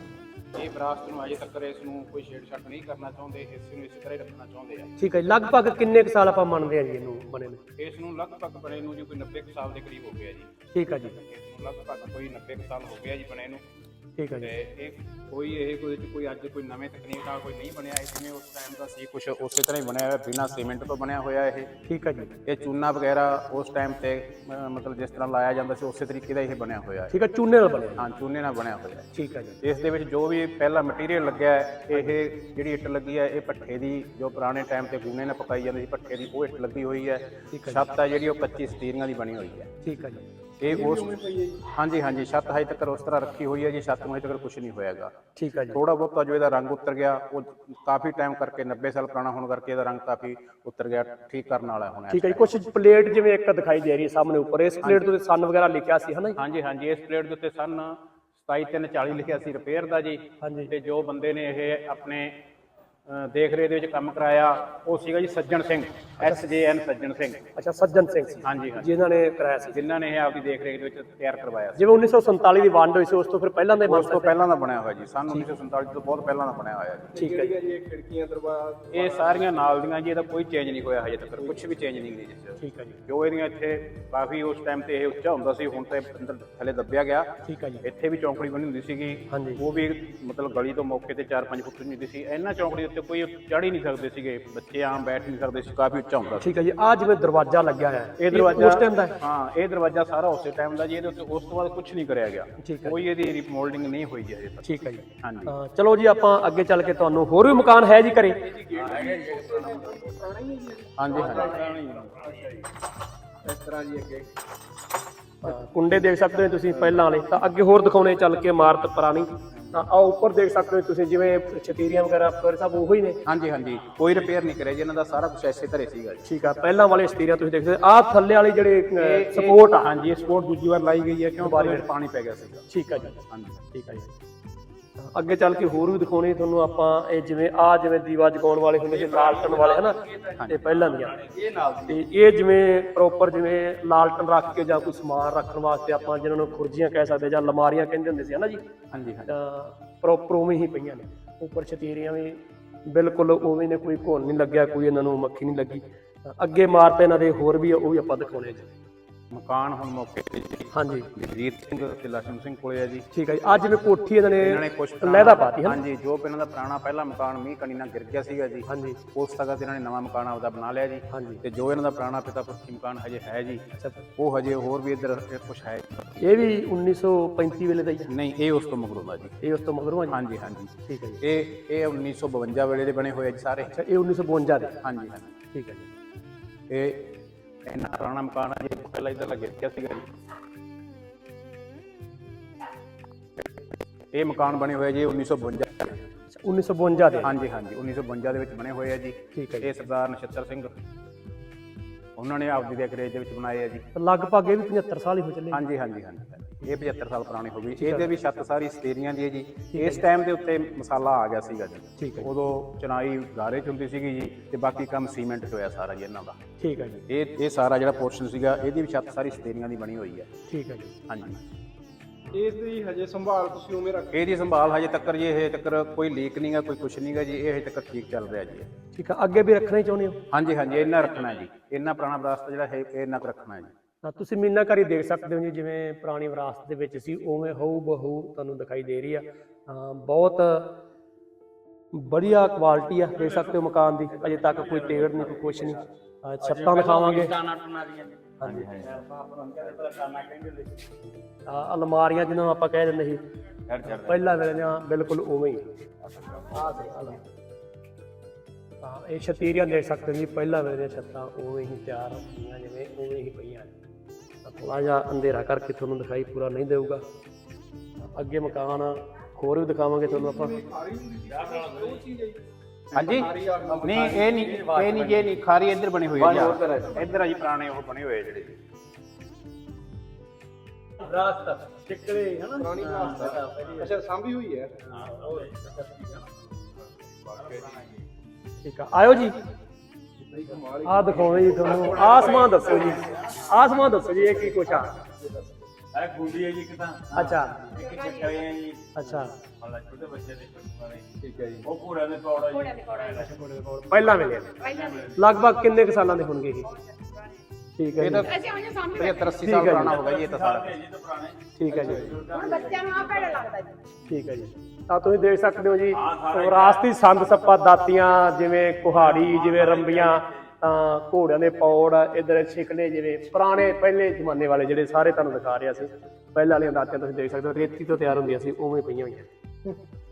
[SPEAKER 1] ਇਹ ਵਿਰਾਸਤ ਨੂੰ ਅਜੇ ਤੱਕ ਇਸ ਨੂੰ ਕੋਈ ਛੇੜਛਾੜ ਨਹੀਂ ਕਰਨਾ ਚਾਹੁੰਦੇ, ਇਸ ਨੂੰ ਇਸੇ ਤਰ੍ਹਾਂ ਹੀ ਰੱਖਣਾ ਚਾਹੁੰਦੇ ਆ।
[SPEAKER 2] ਠੀਕ ਹੈ ਜੀ। ਲਗਭਗ ਕਿੰਨੇ ਕੁ ਸਾਲ ਆਪਾਂ ਮੰਨਦੇ ਆ ਜੀ ਇਹਨੂੰ ਬਣੇ ਨੂੰ?
[SPEAKER 1] ਇਸ ਨੂੰ ਲਗਭਗ ਬਣੇ ਨੂੰ ਜੀ ਕੋਈ 90 ਕੁ ਸਾਲ ਦੇ ਕਰੀਬ ਹੋ ਗਿਆ ਜੀ।
[SPEAKER 2] ਠੀਕ ਹੈ ਜੀ।
[SPEAKER 1] ਇਸ ਨੂੰ ਲਗਭਗ ਕੋਈ 90 ਕੁ ਸਾਲ ਹੋ ਗਿਆ ਜੀ ਬਣੇ ਨੂੰ।
[SPEAKER 2] ਠੀਕ ਹੈ ਜੀ।
[SPEAKER 1] ਤੇ ਇਹ ਕੋਈ ਅੱਜ ਕੋਈ ਨਵੇਂ ਤਕਨੀਕ ਨਾਲ ਕੋਈ ਨਹੀਂ ਬਣਿਆ, ਜਿਵੇਂ ਉਸ ਟਾਈਮ ਦਾ ਸੀ ਕੁਝ ਉਸੇ ਤਰ੍ਹਾਂ ਹੀ ਬਣਿਆ ਹੋਇਆ, ਬਿਨਾਂ ਸੀਮੈਂਟ ਤੋਂ ਬਣਿਆ ਹੋਇਆ ਇਹ।
[SPEAKER 2] ਠੀਕ ਹੈ ਜੀ।
[SPEAKER 1] ਇਹ ਚੂਨਾ ਵਗੈਰਾ ਉਸ ਟਾਈਮ ਤੇ ਮਤਲਬ ਜਿਸ ਤਰ੍ਹਾਂ ਲਾਇਆ ਜਾਂਦਾ ਸੀ ਉਸੇ ਤਰੀਕੇ ਦਾ ਇਹ ਬਣਿਆ ਹੋਇਆ ਹੈ।
[SPEAKER 2] ਠੀਕ ਹੈ, ਚੂਨੇ ਨਾਲ ਬਣਿਆ।
[SPEAKER 1] ਹਾਂ, ਚੂਨੇ ਨਾਲ ਬਣਿਆ ਹੋਇਆ ਹੈ।
[SPEAKER 2] ਠੀਕ ਹੈ ਜੀ।
[SPEAKER 1] ਇਸ ਦੇ ਵਿੱਚ ਜੋ ਵੀ ਪਹਿਲਾ ਮਟੀਰੀਅਲ ਲੱਗਿਆ ਹੈ, ਇਹ ਜਿਹੜੀ ਇੱਟ ਲੱਗੀ ਹੈ ਇਹ ਭੱਠੇ ਦੀ, ਜੋ ਪੁਰਾਣੇ ਟਾਈਮ ਤੇ ਗੂਨੇ ਨਾਲ ਪਕਾਈ ਜਾਂਦੀ ਸੀ ਭੱਠੇ ਦੀ, ਉਹ ਇੱਟ ਲੱਗੀ ਹੋਈ ਹੈ। ਛੱਤ ਹੈ ਜਿਹੜੀ ਉਹ ਕੱਚੀ ਸਟੀਰੀਆਂ ਦੀ ਬਣੀ ਹੋਈ ਹੈ।
[SPEAKER 2] ਠੀਕ ਹੈ ਜੀ।
[SPEAKER 1] ਇਹ ਉਸ ਹਾਂਜੀ ਛੱਤ ਹਜੇ ਤੱਕ ਉਸ ਤਰ੍ਹਾਂ ਰੱਖੀ ਹੋਈ ਹੈ ਜੀ। ਛੱਤ ਨੂੰ ਹਜੇ ਤੱਕ ਕੁਝ ਨਹੀਂ ਹੋਇਆਗਾ।
[SPEAKER 2] ਠੀਕ ਹੈ ਜੀ।
[SPEAKER 1] ਥੋੜਾ ਬਹੁਤਾ ਜੋ ਇਹਦਾ ਰੰਗ ਉਤਰ ਗਿਆ, ਉਹ ਕਾਫੀ ਟਾਈਮ ਕਰਕੇ 90 ਸਾਲ ਪੁਰਾਣਾ ਹੋਣ ਕਰਕੇ ਇਹਦਾ ਰੰਗ ਕਾਫੀ ਉਤਰ ਗਿਆ, ਠੀਕ ਕਰਨ ਵਾਲਾ ਹੁਣ।
[SPEAKER 2] ਠੀਕ ਹੈ ਜੀ। ਕੁਝ ਪਲੇਟ ਜਿਵੇਂ ਇੱਕ ਦਿਖਾਈ ਦੇ ਰਹੀ ਹੈ ਸਾਹਮਣੇ ਉੱਪਰ, ਇਸ ਪਲੇਟ ਤੇ ਸਨ ਵਗੈਰਾ ਲਿਖਿਆ ਸੀ ਹਨਾ ਜੀ?
[SPEAKER 1] ਹਾਂਜੀ ਇਸ ਪਲੇਟ ਦੇ ਉੱਤੇ ਸਨ 27340 ਲਿਖਿਆ ਸੀ ਰਿਪੇਅਰ ਦਾ ਜੀ। ਤੇ ਜੋ ਬੰਦੇ ਨੇ ਇਹ ਆਪਣੇ ਦੇਖ ਰੇਖ ਦੇ ਵਿੱਚ ਕੰਮ ਕਰਾਇਆ ਉਹ ਸੀਗਾ ਜੀ ਸੱਜਣ ਸਿੰਘ, SJN ਸੱਜਣ ਸਿੰਘ।
[SPEAKER 2] ਅੱਛਾ, ਸੱਜਣ ਸਿੰਘ ਸੀ।
[SPEAKER 1] ਹਾਂਜੀ
[SPEAKER 2] ਜਿਨ੍ਹਾਂ ਨੇ ਕਰਾਇਆ ਸੀ,
[SPEAKER 1] ਜਿਨ੍ਹਾਂ ਨੇ ਇਹ ਆਪਦੀ ਦੇਖ ਰੇਖ ਦੇ ਵਿੱਚ ਤਿਆਰ ਕਰਵਾਇਆ ਸੀ।
[SPEAKER 2] ਜਿਵੇਂ 1947 ਦੀ ਵੰਡ ਹੋਈ ਸੀ ਉਸ ਤੋਂ ਫਿਰ ਪਹਿਲਾਂ ਦੇ
[SPEAKER 1] ਉਸ ਤੋਂ ਪਹਿਲਾਂ ਦਾ ਬਣਿਆ ਹੋਇਆ ਜੀ, ਸਨ 1947 ਤੋਂ ਬਹੁਤ ਪਹਿਲਾਂ ਦਾ ਬਣਿਆ ਹੋਇਆ ਜੀ।
[SPEAKER 2] ਠੀਕ ਹੈ ਜੀ।
[SPEAKER 1] ਖਿੜਕੀਆਂ ਦਰਵਾਜ਼ੇ ਇਹ ਸਾਰੀਆਂ ਨਾਲ ਦੀਆਂ ਜੀ, ਇਹਦਾ ਕੋਈ ਚੇਂਜ ਨਹੀਂ ਹੋਇਆ ਹਜੇ ਤੱਕ, ਕੁਝ ਵੀ ਚੇਂਜ ਨਹੀਂ ਹੋਈ ਜੀ।
[SPEAKER 2] ਠੀਕ ਹੈ ਜੀ।
[SPEAKER 1] ਜੋ ਇਹਦੀਆਂ ਇੱਥੇ ਕਾਫੀ ਉਸ ਟਾਈਮ ਤੇ ਇਹ ਉੱਚਾ ਹੁੰਦਾ ਸੀ, ਹੁਣ ਤੇ ਅੰਦਰ ਥੱਲੇ ਦੱਬਿਆ ਗਿਆ।
[SPEAKER 2] ਠੀਕ ਹੈ ਜੀ।
[SPEAKER 1] ਇੱਥੇ ਵੀ ਚੌਂਕੜੀ ਬਣੀ ਹੁੰਦੀ ਸੀਗੀ, ਉਹ ਵੀ ਮਤਲਬ ਗਲੀ ਤੋਂ ਮੌਕੇ ਤੇ 4-5 ਫੁੱਟ ਦੀ ਹੁੰਦੀ ਸੀ। ਇਹਨਾਂ ਚੌਂਕੜੀ ਉੱਤੇ ਕੋਈ ਚੜ੍ਹ ਹੀ ਨਹੀਂ ਸਕਦੇ ਸੀਗੇ, ਬੱਚੇ ਆਮ ਬੈਠ ਨਹੀਂ ਸਕਦੇ ਸੀ, ਕਾਫੀ ਉੱਚਾ ਹੁੰਦਾ ਸੀ।
[SPEAKER 2] ਠੀਕ ਹੈ ਜੀ। ਆ ਜਿਵੇਂ ਦਰਵਾਜ਼ਾ ਲੱਗਿਆ ਹੈ,
[SPEAKER 1] ਇਹ ਦਰਵਾਜ਼ਾ
[SPEAKER 2] ਉਸ ਟਾਈਮ ਦਾ ਹੈ?
[SPEAKER 1] ਹਾਂ, ਇਹ ਦਰਵਾਜ਼ਾ ਸਾਰਾ ਉਸੇ ਟਾਈਮ ਦਾ ਜੀ। ਇਹਦੇ ਉੱਤੇ ਉਸ ਤੋਂ ਬਾਅਦ ਕੁਝ ਨਹੀਂ ਕਰਿਆ ਗਿਆ,
[SPEAKER 2] ਠੀਕ ਹੈ।
[SPEAKER 1] ਕੋਈ ਇਹਦੀ ਰੀਮੋਲਡਿੰਗ ਨਹੀਂ ਹੋਈ ਜੀ ਹਜੇ ਤੱਕ।
[SPEAKER 2] ਠੀਕ ਹੈ ਜੀ।
[SPEAKER 1] ਹਾਂਜੀ
[SPEAKER 2] ਚਲੋ ਜੀ, ਆਪਾਂ ਅੱਗੇ ਚੱਲ ਕੇ ਤੁਹਾਨੂੰ ਹੋਰ ਵੀ ਮਕਾਨ ਹੈ ਜੀ ਘਰੇ?
[SPEAKER 1] ਹਾਂਜੀ
[SPEAKER 3] ਇਸ ਤਰ੍ਹਾਂ ਜੀ ਅੱਗੇ
[SPEAKER 2] ਕੁੰਡੇ ਦੇਖ ਸਕਦੇ ਹੋ ਤੁਸੀਂ ਪਹਿਲਾਂ ਵਾਲੇ। ਤਾਂ ਅੱਗੇ ਹੋਰ ਦਿਖਾਉਣੇ ਚੱਲ ਕੇ ਇਮਾਰਤ ਪੁਰਾਣੀ। ਤਾਂ ਆ ਉੱਪਰ ਦੇਖ ਸਕਦੇ ਹੋ ਤੁਸੀਂ ਜਿਵੇਂ ਛਤੀਰੀਆਂ ਵਗੈਰਾ ਫਿਰ ਸਭ ਉਹੀ ਨੇ?
[SPEAKER 1] ਹਾਂਜੀ ਕੋਈ ਰਿਪੇਅਰ ਨਹੀਂ ਕਰਿਆ ਜੀ, ਇਹਨਾਂ ਦਾ ਸਾਰਾ ਕੁਝ ਐਸੇ ਧਰੇ ਸੀਗਾ ਜੀ।
[SPEAKER 2] ਠੀਕ ਆ। ਪਹਿਲਾਂ ਵਾਲੇ ਛਤੀਰੀਆਂ ਤੁਸੀਂ ਦੇਖ ਸਕਦੇ ਆ ਥੱਲੇ ਵਾਲੀ ਜਿਹੜੇ ਸਪੋਰਟ ਆ।
[SPEAKER 1] ਹਾਂਜੀ, ਇਹ ਸਪੋਰਟ ਦੂਜੀ ਵਾਰ ਲਾਈ ਗਈ ਹੈ ਕਿਉਂ ਬਾਰੀ ਵਿੱਚ ਪਾਣੀ ਪੈ ਗਿਆ ਸੀਗਾ।
[SPEAKER 2] ਠੀਕ ਆ ਜੀ।
[SPEAKER 1] ਹਾਂਜੀ
[SPEAKER 2] ਠੀਕ ਆ ਜੀ। ਅੱਗੇ ਚੱਲ ਕੇ ਹੋਰ ਵੀ ਦਿਖਾਉਣੇ ਤੁਹਾਨੂੰ ਆਪਾਂ। ਇਹ ਜਿਵੇਂ ਜਿਵੇਂ ਦੀਵਾ ਜਗਾਉਣ ਵਾਲੇ ਹੁੰਦੇ ਸੀ, ਲਾਲਟਨ ਵਾਲੇ ਹਨਾ, ਤੇ ਪਹਿਲਾਂ ਦੀਆਂ ਤੇ ਇਹ ਜਿਵੇਂ ਪ੍ਰੋਪਰ ਜਿਵੇਂ ਲਾਲਟਨ ਰੱਖ ਕੇ ਜਾਂ ਕੋਈ ਸਮਾਨ ਰੱਖਣ ਵਾਸਤੇ ਆਪਾਂ ਜਿਹਨਾਂ ਨੂੰ ਖੁਰਜੀਆਂ ਕਹਿ ਸਕਦੇ ਜਾਂ ਅਲਮਾਰੀਆਂ ਕਹਿੰਦੇ ਹੁੰਦੇ ਸੀ ਹਨਾ ਜੀ।
[SPEAKER 1] ਹਾਂਜੀ
[SPEAKER 2] ਤਾਂ ਪ੍ਰੋਪਰ ਉਵੇਂ ਹੀ ਪਈਆਂ ਨੇ। ਉੱਪਰ ਛਤੀਰੀਆਂ ਵੀ ਬਿਲਕੁਲ ਉਵੇਂ ਨੇ, ਕੋਈ ਘੁਣ ਨਹੀਂ ਲੱਗਿਆ, ਕੋਈ ਇਹਨਾਂ ਨੂੰ ਮੱਖੀ ਨਹੀਂ ਲੱਗੀ। ਅੱਗੇ ਇਮਾਰਤ ਇਹਨਾਂ ਦੇ ਹੋਰ ਵੀ ਉਹ ਵੀ ਆਪਾਂ ਦਿਖਾਉਣੇ ਜੀ।
[SPEAKER 1] ਮਕਾਨ ਹੁਣ ਮੌਕੇ ਤੇ ਜੀ
[SPEAKER 2] ਹਾਂਜੀ
[SPEAKER 1] ਜਗਜੀਤ ਸਿੰਘ ਤੇ ਲక్ష్మణ ਸਿੰਘ ਕੋਲੇ ਹੈ ਜੀ।
[SPEAKER 2] ਠੀਕ ਹੈ ਜੀ। ਅੱਜ ਜਿਵੇਂ ਕੋਠੀ ਇਹਨਾਂ ਨੇ
[SPEAKER 1] ਕੁਝ
[SPEAKER 2] ਲਹਿਦਾ ਪਾਤੀ ਹੈ।
[SPEAKER 1] ਹਾਂਜੀ, ਜੋ ਇਹਨਾਂ ਦਾ ਪੁਰਾਣਾ ਪਹਿਲਾ ਮਕਾਨ ਮੀਂਹ ਕਣੀ ਨਾਲ ਗਿਰ ਗਿਆ ਸੀਗਾ ਜੀ।
[SPEAKER 2] ਹਾਂਜੀ,
[SPEAKER 1] ਉਸ ਤੱਕ ਇਹਨਾਂ ਨੇ ਨਵਾਂ ਮਕਾਨ ਆਪਦਾ ਬਣਾ ਲਿਆ ਜੀ।
[SPEAKER 2] ਹਾਂਜੀ।
[SPEAKER 1] ਤੇ ਜੋ ਇਹਨਾਂ ਦਾ ਪੁਰਾਣਾ ਪਿਤਾ ਪੁਰਖੀ ਮਕਾਨ ਹਜੇ ਹੈ ਜੀ, ਉਹ ਹਜੇ ਹੋਰ ਵੀ ਇੱਧਰ ਕੁਝ ਹੈ।
[SPEAKER 2] ਇਹ ਵੀ 1935 ਵੇਲੇ ਦਾ ਹੀ ਹੈ?
[SPEAKER 1] ਨਹੀਂ, ਇਹ ਉਸ ਤੋਂ ਮਗਰੋਂ ਦਾ ਜੀ।
[SPEAKER 2] ਇਹ ਉਸ ਤੋਂ ਮਗਰੋਂ ਆ ਜੀ?
[SPEAKER 1] ਹਾਂਜੀ
[SPEAKER 2] ਠੀਕ ਹੈ ਜੀ।
[SPEAKER 1] ਇਹ 1952 ਵੇਲੇ ਦੇ ਬਣੇ ਹੋਏ ਜੀ ਸਾਰੇ।
[SPEAKER 2] ਅੱਛਾ, ਇਹ 1952 ਦੇ?
[SPEAKER 1] ਹਾਂਜੀ
[SPEAKER 2] ਠੀਕ ਹੈ ਜੀ।
[SPEAKER 1] ਇਹ ਇੰਨਾ ਪੁਰਾਣਾ ਮਕਾਨ ਹੈ ਜੀ, ਪਹਿਲਾਂ ਇੱਧਰ ਲੱਗਿਆ ਗਿਆ ਸੀਗਾ ਜੀ। ਇਹ ਮਕਾਨ ਬਣੇ ਹੋਏ ਜੀ 1952
[SPEAKER 2] 1952 ਦੇ?
[SPEAKER 1] ਹਾਂਜੀ 1952 ਦੇ ਵਿੱਚ ਬਣੇ ਹੋਏ ਆ ਜੀ।
[SPEAKER 2] ਠੀਕ ਹੈ ਜੀ।
[SPEAKER 1] ਇਹ ਸਰਦਾਰ ਨਛੱਤਰ ਸਿੰਘ ਉਹਨਾਂ ਨੇ ਆਪਦੀ ਦੇਖ ਰੇਖ ਦੇ ਵਿੱਚ ਬਣਾਏ ਆ ਜੀ।
[SPEAKER 2] ਲਗਭਗ ਇਹ ਵੀ 75 ਸਾਲ ਹੀ ਹੋ ਚੱਲੇ?
[SPEAKER 1] ਹਾਂਜੀ ਇਹ 75 ਸਾਲ ਪੁਰਾਣੀ ਹੋ ਗਈ। ਇਹਦੇ ਵੀ ਛੱਤ ਸਾਰੀ ਸਟੇਰੀਆਂ ਦੀ ਹੈ ਜੀ। ਇਸ ਟਾਈਮ ਦੇ ਉੱਤੇ ਮਸਾਲਾ ਆ ਗਿਆ ਸੀਗਾ ਜੀ।
[SPEAKER 2] ਠੀਕ ਹੈ।
[SPEAKER 1] ਉਦੋਂ ਚਨਾਈ ਗਾਰੇ 'ਚ ਹੁੰਦੀ ਸੀਗੀ ਜੀ, ਤੇ ਬਾਕੀ ਕੰਮ ਸੀਮੈਂਟ 'ਚ ਹੋਇਆ ਸਾਰਾ ਜੀ ਇਹਨਾਂ ਦਾ।
[SPEAKER 2] ਠੀਕ ਹੈ ਜੀ।
[SPEAKER 1] ਇਹ ਸਾਰਾ ਜਿਹੜਾ ਪੋਰਸ਼ਨ ਸੀਗਾ, ਇਹਦੀ ਵੀ ਛੱਤ ਸਾਰੀ ਸਟੇਰੀਆਂ ਦੀ ਬਣੀ ਹੋਈ ਹੈ।
[SPEAKER 2] ਠੀਕ ਹੈ ਜੀ।
[SPEAKER 1] ਹਾਂਜੀ,
[SPEAKER 3] ਇਹਦੀ ਹਜੇ ਸੰਭਾਲ ਤੁਸੀਂ ਉਵੇਂ ਰੱਖ?
[SPEAKER 1] ਇਹਦੀ ਸੰਭਾਲ ਹਜੇ ਤੱਕ ਜੀ, ਹਜੇ ਤੱਕ ਕੋਈ ਲੀਕ ਨਹੀਂਗਾ, ਕੋਈ ਕੁਛ ਨਹੀਂਗਾ ਜੀ। ਇਹ ਹਜੇ ਤੱਕ ਠੀਕ ਚੱਲ ਰਿਹਾ ਜੀ।
[SPEAKER 2] ਠੀਕ ਆ। ਅੱਗੇ ਵੀ ਰੱਖਣਾ ਹੀ ਚਾਹੁੰਦੇ ਹੋ?
[SPEAKER 1] ਹਾਂਜੀ ਇਹਨਾਂ ਰੱਖਣਾ ਜੀ। ਇਹਨਾਂ ਪੁਰਾਣਾ ਵਿਰਾਸਤ ਜਿਹੜਾ ਹੈ ਇਹ ਇਹਨਾਂ ਕੁ ਰੱਖਣਾ ਹੈ ਜੀ।
[SPEAKER 2] ਤਾਂ ਤੁਸੀਂ ਮੀਨਾਕਾਰੀ ਦੇਖ ਸਕਦੇ ਹੋ ਜੀ, ਜਿਵੇਂ ਪੁਰਾਣੀ ਵਿਰਾਸਤ ਦੇ ਵਿੱਚ ਸੀ ਉਵੇਂ ਹਊ ਬਹੂ ਤੁਹਾਨੂੰ ਦਿਖਾਈ ਦੇ ਰਹੀ ਆ। ਬਹੁਤ ਵਧੀਆ ਕੁਆਲਿਟੀ ਆ, ਦੇਖ ਸਕਦੇ ਹੋ ਮਕਾਨ ਦੀ। ਅਜੇ ਤੱਕ ਕੋਈ ਤੇੜ ਨਹੀਂ, ਕੋਈ ਕੁਛ ਨਹੀਂ। ਛੱਤਾਂ ਦਿਖਾਵਾਂਗੇ। ਹਾਂਜੀ ਅਲਮਾਰੀਆਂ ਜਿਹਨਾਂ ਨੂੰ ਆਪਾਂ ਕਹਿ ਦਿੰਦੇ ਸੀ ਪਹਿਲਾਂ ਵੇਲੇ ਦੀਆਂ, ਬਿਲਕੁਲ ਉਵੇਂ ਹੀ। ਇਹ ਛਤੀਰੀਆਂ ਦੇਖ ਸਕਦੇ ਹੋ ਜੀ, ਪਹਿਲਾਂ ਵੇਲੇ ਦੀਆਂ ਛੱਤਾਂ ਉਵੇਂ ਹੀ ਤਿਆਰ ਹੋਈਆਂ, ਜਿਵੇਂ ਉਵੇਂ ਹੀ ਪਈਆਂ। ਥੋੜਾ ਜਿਹਾ ਅੰਧੇਰਾ ਕਰਕੇ ਤੁਹਾਨੂੰ ਦਿਖਾਈ ਪੂਰਾ ਨਹੀਂ ਦੇਊਗਾ। ਅੱਗੇ ਮਕਾਨ ਹੋਰ ਵੀ ਦਿਖਾਵਾਂਗੇ ਤੁਹਾਨੂੰ ਆਪਾਂ।
[SPEAKER 1] ਹਾਂਜੀ, ਨਹੀਂ ਇਹ ਨਹੀਂ ਜੇ ਨਹੀਂ ਖਾਰੀ ਇੱਧਰ ਬਣੀ ਹੋਈ ਹੈ ਜੀ। ਇੱਧਰ ਆ ਜੀ ਪੁਰਾਣੇ ਉਹ ਬਣੇ ਹੋਏ ਜਿਹੜੇ
[SPEAKER 2] ਵਿਰਾਸਤ ਟਿਕੜੇ ਹਨਾ,
[SPEAKER 3] ਪੁਰਾਣੀ ਵਿਰਾਸਤ। ਅੱਛਾ, ਸਾਂਭੀ ਹੋਈ ਹੈ।
[SPEAKER 2] ਠੀਕ ਆ। ਆਇਓ ਜੀ, ਆਹ ਦਿਖਾਉਣੇ ਜੀ ਤੁਹਾਨੂੰ। ਆਸਮਾਨ ਦੱਸੋ ਜੀ, ਆਸਮਾਨ ਦੱਸੋ ਜੀ, ਇਹ ਕੀ ਕੁਛ ਆ?
[SPEAKER 5] ਆ ਗੁੰਡੀ ਹੈ ਜੀ ਕਿਦਾਂ
[SPEAKER 2] ਅੱਛਾ
[SPEAKER 5] ਇੱਕ ਚੱਕਰੇ ਹੈ ਜੀ
[SPEAKER 2] ਅੱਛਾ
[SPEAKER 5] ਮਤਲਬ ਛੋਟੇ ਬੱਚੇ ਦੇ ਕੱਟੂਆਂ ਨੇ
[SPEAKER 2] ਠੀਕ ਹੈ ਜੀ
[SPEAKER 5] ਉਹ ਘੋੜਿਆਂ ਦੇ ਪੌੜਾ ਜੀ
[SPEAKER 2] ਪਹਿਲਾਂ ਵੇਲੇ ਲਗਭਗ ਕਿੰਨੇ ਕੁ ਸਾਲਾਂ ਦੇ ਹੋਣਗੇ ਇਹ ਠੀਕ ਹੈ
[SPEAKER 1] ਇਹ
[SPEAKER 2] ਜੀ
[SPEAKER 1] ਤਾਂ 75-80 ਸਾਲ ਪੁਰਾਣਾ ਹੋਗਾ ਜੀ ਇਹ ਤਾਂ ਸਾਰਾ।
[SPEAKER 2] ਠੀਕ ਹੈ ਜੀ
[SPEAKER 4] ਹੁਣ ਬੱਚਿਆਂ ਨੂੰ ਆ ਭੈੜਾ ਲੱਗਦਾ ਜੀ।
[SPEAKER 2] ਠੀਕ ਹੈ ਜੀ ਤਾਂ ਤੁਸੀਂ ਦੇਖ ਸਕਦੇ ਹੋ ਜੀ ਵਿਰਾਸਤੀ ਸੰਦ ਸੱਪਾ ਦਾਤੀਆਂ ਜਿਵੇਂ ਕੁਹਾੜੀ ਜਿਵੇਂ ਰੰਬੀਆਂ ਤਾਂ ਘੋੜਿਆਂ ਦੇ ਪੌੜ ਇਧਰ ਛਿਕਲੇ ਜਿਵੇਂ ਪੁਰਾਣੇ ਪਹਿਲੇ ਜ਼ਮਾਨੇ ਵਾਲੇ ਜਿਹੜੇ ਸਾਰੇ ਤੁਹਾਨੂੰ ਦਿਖਾ ਰਿਹਾ ਸੀ ਪਹਿਲਾਂ ਵਾਲੀਆਂ ਦਾਤੀਆਂ ਤੁਸੀਂ ਦੇਖ ਸਕਦੇ ਹੋ ਰੇਤੀ ਤੋਂ ਤਿਆਰ ਹੁੰਦੀਆਂ ਸੀ ਉਵੇਂ ਪਈਆਂ ਹੋਈਆਂ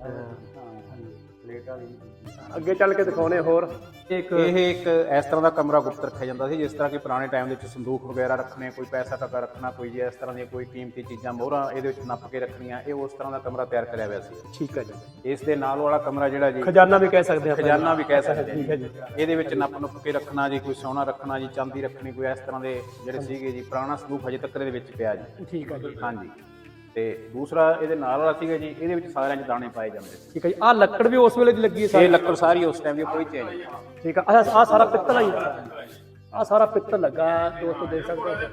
[SPEAKER 2] ਅੱਗੇ ਚੱਲ ਕੇ ਦਿਖਾਉਣੇ ਹੋਰ
[SPEAKER 1] ਇਹ ਇੱਕ ਇਸ ਤਰ੍ਹਾਂ ਦਾ ਕਮਰਾ ਗੁਪਤ ਰੱਖਿਆ ਜਾਂਦਾ ਸੀ ਜਿਸ ਤਰ੍ਹਾਂ ਕਿ ਪੁਰਾਣੇ ਟਾਈਮ ਦੇ ਵਿੱਚ ਸੰਦੂਕ ਵਗੈਰਾ ਰੱਖਣੇ ਕੋਈ ਪੈਸਾ ਟਕਾ ਰੱਖਣਾ ਕੋਈ ਜੇ ਇਸ ਤਰ੍ਹਾਂ ਦੀਆਂ ਕੋਈ ਕੀਮਤੀ ਚੀਜ਼ਾਂ ਮੋਹਰਾਂ ਇਹਦੇ ਵਿੱਚ ਨੱਪ ਕੇ ਰੱਖਣੀਆਂ ਇਹ ਉਸ ਤਰ੍ਹਾਂ ਦਾ ਕਮਰਾ ਤਿਆਰ ਕਰਿਆ ਹੋਇਆ ਸੀ।
[SPEAKER 2] ਠੀਕ ਹੈ ਜੀ
[SPEAKER 1] ਇਸ ਦੇ ਨਾਲ ਵਾਲਾ ਕਮਰਾ ਜਿਹੜਾ ਜੀ
[SPEAKER 2] ਖਜ਼ਾਨਾ ਵੀ ਕਹਿ ਸਕਦੇ ਆਪਾਂ
[SPEAKER 1] ਖਜ਼ਾਨਾ ਵੀ ਕਹਿ ਸਕਦੇ
[SPEAKER 2] ਠੀਕ ਹੈ ਜੀ
[SPEAKER 1] ਇਹਦੇ ਵਿੱਚ ਨੱਪ ਕੇ ਰੱਖਣਾ ਜੀ ਕੋਈ ਸੋਨਾ ਰੱਖਣਾ ਜੀ ਚਾਂਦੀ ਰੱਖਣੀ ਕੋਈ ਇਸ ਤਰ੍ਹਾਂ ਦੇ ਜਿਹੜੇ ਸੀਗੇ ਜੀ ਪੁਰਾਣਾ ਸੰਦੂਕ ਹਜੇ ਤੱਕ ਇਹਦੇ ਵਿੱਚ ਪਿਆ ਜੀ।
[SPEAKER 2] ਠੀਕ ਹੈ ਜੀ
[SPEAKER 1] ਹਾਂਜੀ ਤੇ ਦੂਸਰਾ ਇਹਦੇ ਨਾਲ ਵਾਲਾ ਸੀਗਾ ਜੀ ਇਹਦੇ ਵਿੱਚ ਸਾਰਿਆਂ 'ਚ ਦਾਣੇ ਪਾਏ ਜਾਂਦੇ ਸੀ।
[SPEAKER 2] ਠੀਕ ਹੈ ਜੀ ਆਹ ਲੱਕੜ ਵੀ ਉਸ ਵੇਲੇ ਦੀ ਲੱਗੀ ਹੈ
[SPEAKER 1] ਇਹ ਲੱਕੜ ਸਾਰੀ ਉਸ ਟਾਈਮ ਦੀ ਕੋਈ ਚੇਂਜ ਨਹੀਂ।
[SPEAKER 2] ਠੀਕ ਹੈ ਅੱਛਾ ਆਹ ਸਾਰਾ ਪਿੱਤਲ ਹੀ ਆਹ ਸਾਰਾ ਪਿੱਤਲ ਲੱਗਾ ਦੋਸਤੋ ਦੇਖ ਸਕਦੇ ਹੋ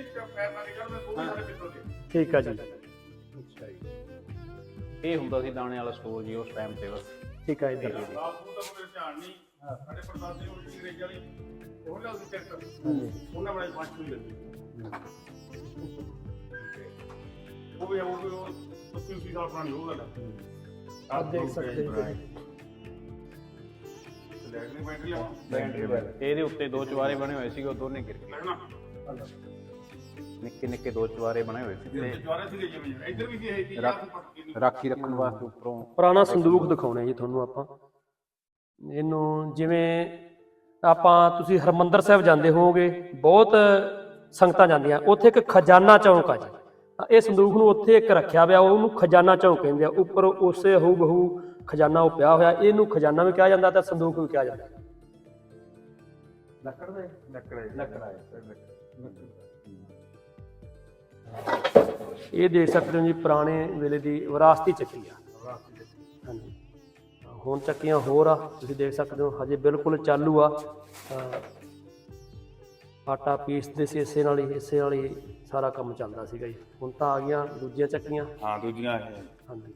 [SPEAKER 2] ਠੀਕ ਹੈ ਜੀ ਅੱਛਾ ਜੀ
[SPEAKER 1] ਇਹ ਹੁੰਦਾ ਸੀ ਦਾਣੇ ਵਾਲਾ ਸਟੋਰ ਜੀ ਉਸ ਟਾਈਮ ਤੇ ਬਸ।
[SPEAKER 2] ਠੀਕ ਹੈ ਇੱਧਰ
[SPEAKER 3] ਧਿਆਨ ਨਹੀਂ ਸਾਡੇ ਪਰਦਾਦੇ ਉਹ ਅੰਗਰੇਜ਼ ਵਾਲੀ ਉਹ ਲਿਆ ਸੀ ਟਰੈਕਟਰ ਉਹਨਾਂ ਬੜੇ ਪਾਛੂ ਹੀ ਲੱਗੀ ਉਹ ਵੀ 80 ਸਾਲ ਪੁਰਾਣੀ ਉਹ ਗੱਲ ਹੈ।
[SPEAKER 2] ਆਪ ਦੇਖ ਸਕਦੇ ਹੋ
[SPEAKER 3] ਲੈਟਰਿੰਗ ਬੈਟਰੀ ਆ
[SPEAKER 1] ਇਹਦੇ ਉੱਤੇ ਦੋ ਚੁਬਾਰੇ ਬਣੇ ਹੋਏ ਸੀਗੇ ਉਹ ਦੋਨੇ ਗਿਰ ਗਏ
[SPEAKER 3] ਲੱਗਣਾ
[SPEAKER 1] ਨਿੱਕੇ ਨਿੱਕੇ ਦੋ ਚੁਬਾਰੇ ਬਣੇ ਹੋਏ ਸੀ ਤੇ
[SPEAKER 3] ਦੁਆਰੇ ਸੀਗੇ ਜਿਵੇਂ ਇੱਧਰ ਵੀ ਸੀ ਇਹ ਚੀਜ਼
[SPEAKER 1] ਰਾਖੀ ਰੱਖਣ ਵਾਸਤੇ ਉੱਪਰੋਂ
[SPEAKER 2] ਪੁਰਾਣਾ ਸੰਦੂਕ ਦਿਖਾਉਣਾ ਜੀ ਤੁਹਾਨੂੰ ਆਪਾਂ ਇਹਨੂੰ ਜਿਵੇਂ ਆਪਾਂ ਤੁਸੀਂ ਹਰਮੰਦਰ ਸਾਹਿਬ ਜਾਂਦੇ ਹੋਵੋਗੇ ਬਹੁਤ ਸੰਗਤਾਂ ਜਾਂਦੀਆਂ ਉੱਥੇ ਇੱਕ ਖਜ਼ਾਨਾ ਚੌਂਕ ਆ ਜੀ ਇਹ ਸੰਦੂਕ ਨੂੰ ਉੱਥੇ ਇੱਕ ਰੱਖਿਆ ਹੋਇਆ ਉਹਨੂੰ ਖਜ਼ਾਨਾ ਚੌਂਕ ਕਹਿੰਦੇ ਆ ਉੱਪਰ ਉਸੇ ਹੂ ਬਹੂ ਖਜ਼ਾਨਾ ਉਹ ਪਿਆ ਹੋਇਆ ਇਹਨੂੰ ਖਜ਼ਾਨਾ ਵੀ ਕਿਹਾ ਜਾਂਦਾ ਤੇ ਸੰਦੂਕ ਵੀ ਕਿਹਾ ਜਾਂਦਾ ਇਹ ਦੇਖ ਸਕਦੇ ਹੋ ਜੀ ਪੁਰਾਣੇ ਵੇਲੇ ਦੀ ਵਿਰਾਸਤੀ ਚੱਕੀ ਆ ਹਾਂਜੀ ਹੁਣ ਚੱਕੀਆਂ ਹੋਰ ਆ ਤੁਸੀਂ ਦੇਖ ਸਕਦੇ ਹੋ ਹਜੇ ਬਿਲਕੁਲ ਚਾਲੂ ਆ ਆਟਾ ਪੀਸਦੇ ਸੀ ਇਸੇ ਨਾਲ ਹੀ ਸਾਰਾ ਕੰਮ ਚੱਲਦਾ ਸੀਗਾ ਜੀ ਹੁਣ ਤਾਂ ਆ ਗਈਆਂ ਦੂਜੀਆਂ ਚੱਕੀਆਂ
[SPEAKER 3] ਹਾਂ ਦੂਜੀਆਂ
[SPEAKER 2] ਹਾਂਜੀ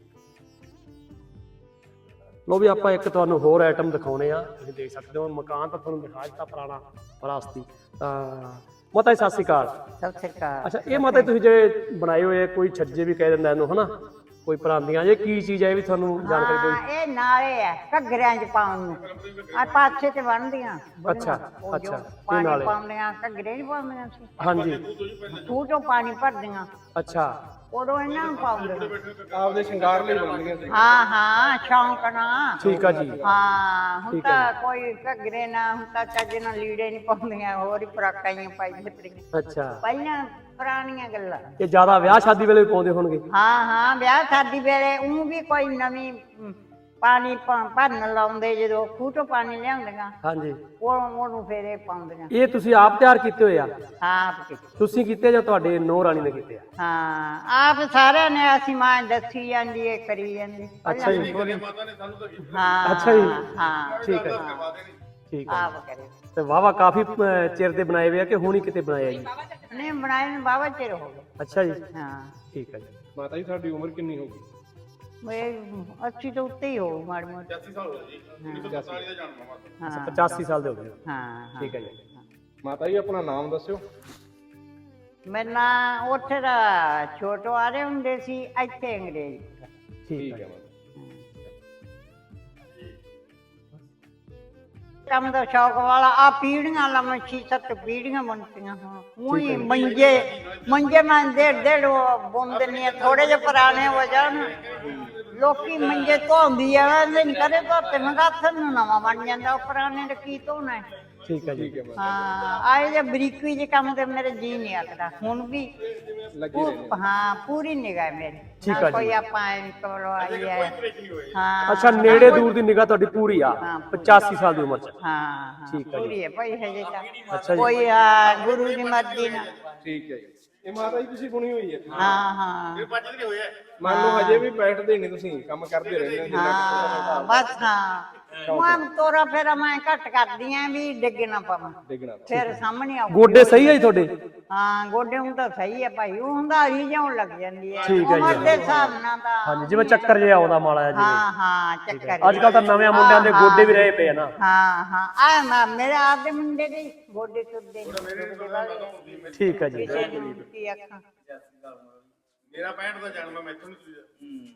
[SPEAKER 2] ਲੋ ਵੀ ਆਪਾਂ ਇੱਕ ਤੁਹਾਨੂੰ ਹੋਰ ਆਈਟਮ ਦਿਖਾਉਣੇ ਆ ਤੁਸੀਂ ਦੇਖ ਸਕਦੇ ਹੋ ਮਕਾਨ ਤਾਂ ਤੁਹਾਨੂੰ ਦਿਖਾ ਦਿੱਤਾ ਪੁਰਾਣਾ ਵਿਰਾਸਤੀ ਮਾਤਾ ਜੀ ਸਤਿ ਸ਼੍ਰੀ ਅਕਾਲ
[SPEAKER 4] ਸਤਿ ਸ੍ਰੀ ਅਕਾਲ।
[SPEAKER 2] ਅੱਛਾ ਇਹ ਮਾਤਾ ਜੀ ਤੁਸੀਂ ਜਿਹੜੇ ਬਣਾਏ ਹੋਏ ਕੋਈ ਛੱਜੇ ਵੀ ਕਹਿ ਦਿੰਦਾ ਇਹਨੂੰ ਹਨਾ ਕੋਈ ਪਰਾਂਦੀਆਂ ਇਹ ਕੀ ਚੀਜ਼ ਹੈ ਇਹ ਵੀ ਤੁਹਾਨੂੰ ਜਾਣਕਾਰੀ ਦਿਓ
[SPEAKER 4] ਹਾਂ ਇਹ ਨਾਲੇ ਆ ਘੱਗਰਿਆਂ 'ਚ ਪਾਉਣ ਨੂੰ ਆ ਪਾਛੇ ਤੇ ਬਣਦੀਆਂ
[SPEAKER 2] ਅੱਛਾ,
[SPEAKER 4] ਉਹ ਜੋ
[SPEAKER 2] ਅੱਛਾ, ਇਹ
[SPEAKER 4] ਪਾਣੀ
[SPEAKER 2] ਨਾਲੇ।
[SPEAKER 4] ਪਾਉਂਦੀਆਂ ਘੱਗਰੇ 'ਚ ਪਾਉਂਦੀਆਂ ਸੀ
[SPEAKER 2] ਹਾਂਜੀ
[SPEAKER 4] ਖੂਹ ਚੋਂ ਪਾਣੀ ਭਰਦੀਆਂ
[SPEAKER 2] ਅੱਛਾ
[SPEAKER 4] ਉਦੋਂ ਇਹਨਾਂ ਨੂੰ ਪਾਉਂਦੇ
[SPEAKER 1] ਆਪਦੇ ਸ਼ਿੰਗਾਰ ਲਈ ਬਣਦੀਆਂ ਸੀ।
[SPEAKER 4] ਹਾਂ ਸ਼ੌਂਕ ਨਾਲ
[SPEAKER 2] ਠੀਕ ਆ ਜੀ
[SPEAKER 4] ਹਾਂ ਹੁਣ
[SPEAKER 2] ਠੀਕ ਹੈ
[SPEAKER 4] ਤਾਂ ਕੋਈ ਘੱਗਰੇ ਨਾ ਹੁਣ ਤਾਂ ਚੱਜ ਨਾਲ ਲੀੜੇ ਨਹੀਂ ਪਾਉਂਦੀਆਂ ਹੋਰ ਹੀ ਫਰਾਕਾਂ ਹੀ ਪਾਈ ਫਿਰਦੀਆਂ
[SPEAKER 2] ਅੱਛਾ
[SPEAKER 4] ਪਹਿਲਾਂ ਪੁਰਾਣੀਆਂ ਗੱਲਾਂ
[SPEAKER 2] ਇਹ ਜ਼ਿਆਦਾ ਵਿਆਹ ਸ਼ਾਦੀ ਵੇਲੇ ਵੀ ਪਾਉਂਦੇ ਹੋਣਗੇ
[SPEAKER 4] ਹਾਂ ਵਿਆਹ ਸ਼ਾਦੀ ਵੇਲੇ ਉਹ ਵੀ ਕੋਈ ਨਵੀਂ ਪਾਣੀ ਭਰਨ ਲਾਉਂਦੇ ਜਦੋਂ ਖੂਹ ਤੋਂ ਪਾਣੀ ਲਿਆਉਂਦੀਆਂ
[SPEAKER 2] ਹਾਂਜੀ
[SPEAKER 4] ਉਹਨੂੰ ਫੇਰ ਇਹ ਪਾਉਂਦੀਆਂ
[SPEAKER 2] ਇਹ ਤੁਸੀਂ ਆਪ ਤਿਆਰ ਕੀਤੇ ਹੋਏ ਆ
[SPEAKER 4] ਆਪ ਕੀਤੇ।
[SPEAKER 2] ਤੁਸੀਂ ਕੀਤੇ ਜਾਂ ਤੁਹਾਡੇ ਨੂੰਹ ਰਾਣੀ ਨੇ ਕੀਤੇ ਆ
[SPEAKER 4] ਹਾਂ ਆਪ ਸਾਰਿਆਂ ਨੇ ਅਸੀਂ ਮਾਂ ਦੱਸੀ ਜਾਂਦੀ ਏ ਕਰੀ ਜਾਂਦੀ
[SPEAKER 2] ਅੱਛਾ ਜੀ
[SPEAKER 3] ਮਾਤਾ ਨੇ ਸਾਨੂੰ ਤਾਂ
[SPEAKER 4] ਹਾਂ
[SPEAKER 2] ਅੱਛਾ ਜੀ।
[SPEAKER 4] ਹਾਂ
[SPEAKER 2] ਠੀਕ ਹੈ
[SPEAKER 3] ਕਰਵਾ ਦੇਣੀ
[SPEAKER 2] ਠੀਕ ਹੈ
[SPEAKER 4] ਆਪ ਕਰੇ
[SPEAKER 2] ਤੇ ਵਾਵਾ ਕਾਫੀ ਚਿਰ ਦੇ ਬਣਾਏ ਹੋਏ ਆ ਕਿ ਹੁਣ ਹੀ ਕਿਤੇ ਬਣਾਏ ਆ ਜੀ
[SPEAKER 4] ਨਹੀਂ ਬਣਾਏ ਨੂੰ ਬਾਬਾ ਚਿਰ ਹੋ ਗਿਆ
[SPEAKER 2] ਅੱਛਾ ਜੀ
[SPEAKER 4] ਹਾਂ
[SPEAKER 2] ਠੀਕ ਹੈ ਜੀ
[SPEAKER 3] ਮਾਤਾ ਜੀ ਸਾਡੀ ਉਮਰ ਕਿੰਨੀ ਹੋ ਗਈ
[SPEAKER 4] ਮੈਂ 80 ਤੋਂ ਉੱਤੇ ਹੀ ਹੋ ਮਾੜੀ ਮੋਟੀ
[SPEAKER 3] 85 ਸਾਲ ਹੋ ਗਏ ਜੀ 1947 ਦਾ ਜਨਮ ਆ ਮਾਤਾ
[SPEAKER 4] ਹਾਂ
[SPEAKER 2] 85 ਸਾਲ ਦੇ ਹੋ ਗਏ
[SPEAKER 4] ਹਾਂ
[SPEAKER 2] ਠੀਕ ਹੈ ਜੀ
[SPEAKER 3] ਮਾਤਾ ਜੀ ਆਪਣਾ ਨਾਮ ਦੱਸਿਓ
[SPEAKER 4] ਮੇਰਾ ਨਾਂ ਉੱਥੇ ਦਾ ਛੋਟੋ ਆ ਰਹੇ ਹੁੰਦੇ ਸੀ ਇੱਥੇ ਅੰਗਰੇਜ਼
[SPEAKER 2] ਠੀਕ ਹੈ
[SPEAKER 4] ਕੰਮ ਦਾ ਸ਼ੌਕ ਵਾਲਾ ਆ ਪੀੜੀਆਂ ਲਾ ਮੈਂ 6-7 ਪੀੜੀਆਂ ਬਣਤੀਆਂ ਹੁਣ ਉਹੀ ਮੰਜੇ ਮੈਂ ਡੇਢ ਬੁੰਦ ਨਹੀਂ ਥੋੜੇ ਜਿਹੇ ਪੁਰਾਣੇ ਹੋ ਜਾਣ ਲੋਕੀ ਮੰਜੇ ਧੋਂਦੀ ਆ ਨਹੀਂ ਕਰੇ ਧੋਤੇ ਮੈਂ ਹੱਥ ਨੂੰ ਨਵਾਂ ਬਣ ਜਾਂਦਾ ਉਹ ਪੁਰਾਣੇ ਦਾ ਕੀ ਧੋਣਾ ਹੈ।
[SPEAKER 2] ਠੀਕ ਹੈ ਜੀ
[SPEAKER 4] ਹਾਂ ਆਏ ਜੇ ਬਰੀਕੀ ਜੇ ਕੰਮ ਤੇ ਮੇਰੇ ਜੀ ਨਹੀਂ ਆਖਦਾ ਹੁਣ ਵੀ ਹਾਂ ਪੂਰੀ ਨਿਗਾਹ ਮੇਰੀ
[SPEAKER 2] ਠੀਕ
[SPEAKER 4] ਨਾ
[SPEAKER 2] ਆ ਜੀ।
[SPEAKER 4] ਕੋਈ ਆਪਾਂ ਕਰਵਾਈ ਹੈ ਹਾਂ
[SPEAKER 2] ਅੱਛਾ ਨੇੜੇ ਦੂਰ ਦੀ ਨਿਗਾਹ ਤੁਹਾਡੀ ਪੂਰੀ ਆ 85 ਸਾਲ ਦੀ ਉਮਰ ਚ
[SPEAKER 4] ਹਾਂ
[SPEAKER 2] ਠੀਕ ਹੈ ਜੀ।
[SPEAKER 4] ਪੂਰੀ ਹੈ ਭਾਈ ਹਜੇ
[SPEAKER 2] ਅੱਛਾ
[SPEAKER 4] ਤਾਂ
[SPEAKER 2] ਜੀ।
[SPEAKER 4] ਕੋਈ ਗੁਰੂ ਦੀ ਮਰਜ਼ੀ ਨਾਲ
[SPEAKER 3] ਠੀਕ ਹੈ ਜੀ ਇਹ ਮਾਤਾ ਜੀ ਤੁਸੀਂ ਬੁਣੀ ਹੋਈ ਹੈ
[SPEAKER 4] ਹਾਂ
[SPEAKER 3] ਬੱਚਤ ਨਹੀਂ ਹੋਇਆ ਮੰਨ ਲਓ ਹਜੇ ਵੀ ਬੈਠਦੇ ਨਹੀਂ ਤੁਸੀਂ ਕੰਮ ਕਰਦੇ ਰਹਿੰਦੇ ਹੋ
[SPEAKER 4] ਹਾਂ ਬਸ ਹਾਂ ਮੈਂ ਤੋਰਾ ਫੇਰਾ ਮੈਂ ਘੱਟ ਕਰਦੀ ਆਂ ਵੀ ਡਿੱਗ ਨਾ ਪਵਾਂ,
[SPEAKER 2] ਡਿੱਗਣਾ
[SPEAKER 4] ਫਿਰ ਸਾਹਮਣੇ ਆਉ।
[SPEAKER 2] ਗੋਡੇ ਸਹੀ ਹੈ ਜੀ ਤੁਹਾਡੇ?
[SPEAKER 4] ਹਾਂ ਗੋਡੇ ਨੂੰ ਤਾਂ ਸਹੀ ਹੈ ਭਾਈ, ਉਹ ਹੁੰਦਾ ਹਰੀ ਜਾਉਣ ਲੱਗ ਜਾਂਦੀ ਹੈ
[SPEAKER 2] ਠੀਕ ਹੈ ਜੀ।
[SPEAKER 4] ਉਮਰ ਦੇ ਹਿਸਾਬ ਨਾਲ ਤਾਂ।
[SPEAKER 2] ਹਾਂਜੀ, ਜਿਵੇਂ ਚੱਕਰ ਜਿਹਾ ਆਉਂਦਾ ਮਾੜਾ ਜਿਹਾ
[SPEAKER 4] ਹਾਂ ਹਾਂ ਚੱਕਰ
[SPEAKER 2] ਅੱਜ ਕੱਲ ਤਾਂ ਨਵੇਂ ਮੁੰਡਿਆਂ ਦੇ ਗੋਡੇ ਵੀ ਰਹੇ ਪਏ ਆ ਨਾ।
[SPEAKER 4] ਹਾਂ ਹਾਂ ਆ ਨਾ ਮੇਰੇ ਆਪ ਦੇ ਮੁੰਡੇ ਦੇ ਗੋਡੇ ਟੁੱਟਦੇ ਨੇ।
[SPEAKER 2] ਠੀਕ ਹੈ ਜੀ।
[SPEAKER 4] ਕਿਸੇ ਨੂੰ ਕੀ ਅੱਖਾਂ
[SPEAKER 3] ਮੇਰਾ 65 ਦਾ ਜਨਮ ਹੈ, ਮੈਥੋਂ ਨਹੀਂ ਤੁਸੀਂ